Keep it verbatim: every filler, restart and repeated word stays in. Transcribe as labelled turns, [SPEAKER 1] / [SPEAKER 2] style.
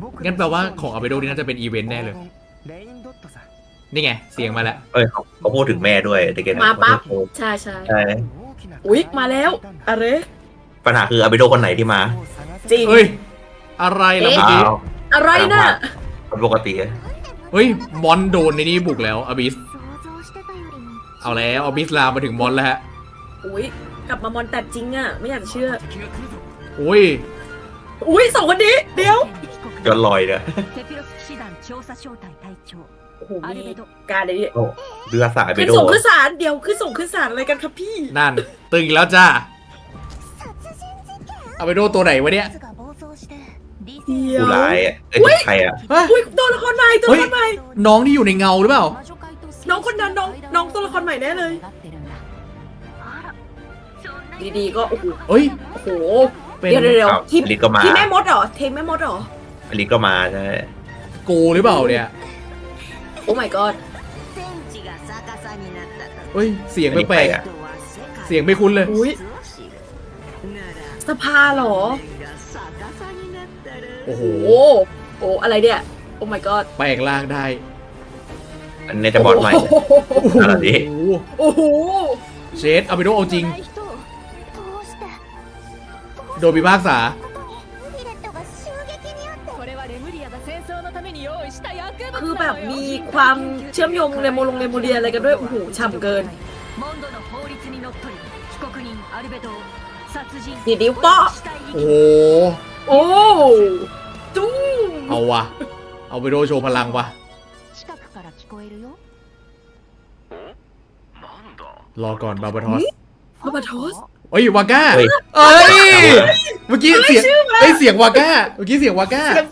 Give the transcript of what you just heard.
[SPEAKER 1] งั้นแปลว่าของอาเบโดนี่น่าจะเป็นอีเวนต์แน่เลยนี่ไงเสียงมาแล้ว
[SPEAKER 2] เอ้ยเขาเขาพูดถึงแม่ด้วยแต่แก
[SPEAKER 3] มาปั๊บใช่ใช่
[SPEAKER 2] ใช่
[SPEAKER 3] อุ๊ยมาแล้วอะไร
[SPEAKER 2] ปัญหาคืออาบิโดคนไหนที่มา
[SPEAKER 3] จริง
[SPEAKER 1] เฮ้ยอะไรล่ะเมื่อกี้
[SPEAKER 2] อ้าว
[SPEAKER 3] อะไรน่ะ
[SPEAKER 2] คนปกติอะ
[SPEAKER 1] เฮ้ยมอนโดนในนี้บุกแล้วอาบิสเอาแล้วอาบิสลามมาถึงมอนแล้วฮะ
[SPEAKER 3] อุ๊ยกลับมามอนแต่จริงอ่ะไม่อยากจะเชื่อ
[SPEAKER 1] อุ้ย
[SPEAKER 3] อุ๊ยสองคนนี้เดี๋ยว
[SPEAKER 2] ย้อนลอยเนี่ย
[SPEAKER 3] โอ้โหมีการอะไรเนี่ย
[SPEAKER 2] โอ้เรือสายอาบิ
[SPEAKER 3] ขึ้น
[SPEAKER 2] โด
[SPEAKER 3] ส่งขึ้นศาลเดี๋ยวขึ้นส่งขึ้นศาลอะไรกันครับพี่
[SPEAKER 1] นั่นตึงอีกแล้วจ้าอาเบโดตัวไหนวะเนี่ย
[SPEAKER 3] เดี๋ยว
[SPEAKER 2] ผู้ร้ายอะเอ้ยใครอะ
[SPEAKER 1] เฮ้ย
[SPEAKER 3] อุ๊ยตัวละครใหม่ตัวละครใหม่
[SPEAKER 1] น้องที่อยู่ในเงาหรือเปล่า
[SPEAKER 3] น้องคนนั้นน้องน้องตัวละครใหม่แน่เลย ดีๆก็โอ้โห
[SPEAKER 1] เฮ้ย
[SPEAKER 3] โอ้โห
[SPEAKER 1] เป็น
[SPEAKER 3] เดี๋ยวเดี๋ยวเดี๋ยว
[SPEAKER 2] อ้าว
[SPEAKER 3] ทีม
[SPEAKER 2] ลิก็มา
[SPEAKER 3] ทีมแม่มดเหรอทีมแม่มดเหรอ
[SPEAKER 2] อลิก็มาใช่
[SPEAKER 1] โกหรือเปล่าเนี่ย
[SPEAKER 3] โอ้ my god
[SPEAKER 1] เฮ้ยเสียงแปลกๆอะเสียงไม่คุ้นเลย
[SPEAKER 3] อุ๊ยสภาเหรอ
[SPEAKER 1] โอ้โห
[SPEAKER 3] โอ้โอ้อะไรเนี่ยโอ้ my god
[SPEAKER 1] แปลงร่างได้
[SPEAKER 2] อันนี้จะบอดใหม่
[SPEAKER 3] โอ้โห
[SPEAKER 2] อะไรดิ
[SPEAKER 1] โอ้โห
[SPEAKER 3] โอ้โห
[SPEAKER 1] เชดอาเบโดเอาจริง โดนพิพากษา
[SPEAKER 3] คือแบบมีความเชื่อมโยงเรโมลงเรโมเดียอะไรกันด้วยโอ้โหฉ่ำเกินดีดิวเปาะ
[SPEAKER 1] โอ้โห
[SPEAKER 3] โอ้จุ้ง
[SPEAKER 1] เอาวะเอาไปโดโชว์พลังวะรอก่อนบาบาทอส
[SPEAKER 3] บาบาทอส
[SPEAKER 1] เอ้ยวาก้า
[SPEAKER 2] เฮ้ย
[SPEAKER 1] เอ้ย เมื่อกี้เสียงเอ้ยเสียงวาก้า เมื่อกี้เสียงวาก้า
[SPEAKER 3] เสียง